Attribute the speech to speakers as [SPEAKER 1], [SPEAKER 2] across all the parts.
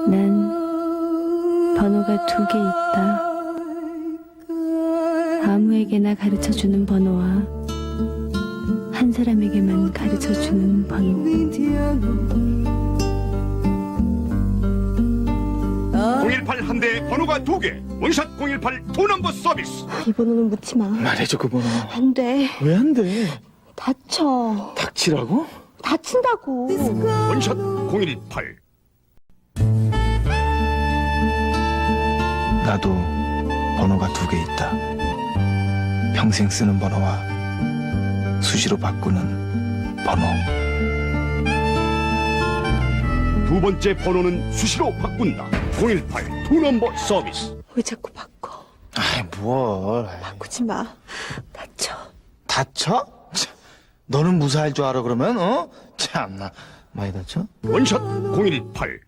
[SPEAKER 1] 난 번호가 2개 있다. 아무에게나 가르쳐주는 번호와 한 사람에게만 가르쳐주는 번호.
[SPEAKER 2] 018 한 대에 번호가 2개. 원샷 018 2넘버 서비스.
[SPEAKER 3] 이 번호는 묻지 마.
[SPEAKER 4] 말해줘 그 번호.
[SPEAKER 3] 안 돼.
[SPEAKER 4] 왜 안 돼?
[SPEAKER 3] 다쳐.
[SPEAKER 4] 닥치라고?
[SPEAKER 3] 다친다고.
[SPEAKER 2] 원샷 018.
[SPEAKER 4] 나도 번호가 2개 있다. 평생 쓰는 번호와 수시로 바꾸는 번호.
[SPEAKER 2] 두 번째 번호는 수시로 바꾼다. 018 2넘버 서비스.
[SPEAKER 3] 왜 자꾸 바꿔?
[SPEAKER 4] 아이 뭘.
[SPEAKER 3] 바꾸지 마. 다쳐.
[SPEAKER 4] 다쳐? 참, 너는 무사할 줄 알아 그러면 어? 참나 많이 다쳐?
[SPEAKER 2] 원샷 018.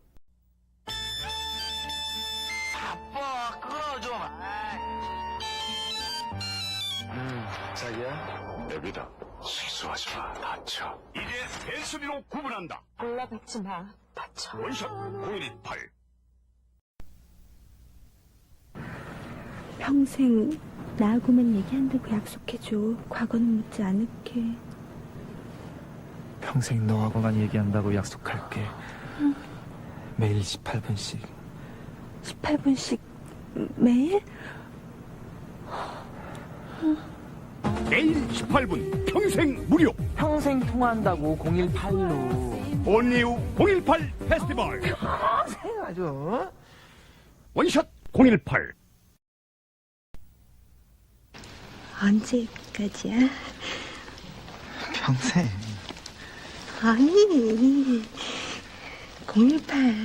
[SPEAKER 4] 자기야?
[SPEAKER 2] 여기다. 실수하지 마. 다쳐. 이제 배수리로 구분한다.
[SPEAKER 3] 올라가지 마. 다쳐.
[SPEAKER 2] 원샷 018.
[SPEAKER 1] 평생 나하고만 얘기한다고 약속해줘. 과거는 묻지 않을게.
[SPEAKER 4] 평생 너하고만 얘기한다고 약속할게. 매일 18분씩
[SPEAKER 1] 18분씩 매일?
[SPEAKER 2] 매일 18분 평생 무료.
[SPEAKER 5] 평생 통화한다고 018로
[SPEAKER 2] 온리우 018 페스티벌.
[SPEAKER 4] 아주
[SPEAKER 2] 원샷 018.
[SPEAKER 3] 언제까지야?
[SPEAKER 4] 평생.
[SPEAKER 3] 아니. 018.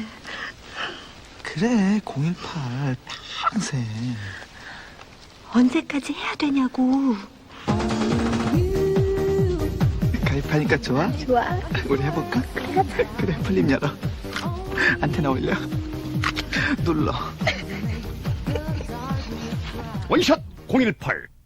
[SPEAKER 4] 그래 018 평생.
[SPEAKER 3] 언제까지 해야 되냐고.
[SPEAKER 4] 가입하니까 좋아?
[SPEAKER 3] 좋아.
[SPEAKER 4] 우리 해볼까? 그래 풀림 열어. 안테나 올려. 눌러.
[SPEAKER 2] 원샷 018.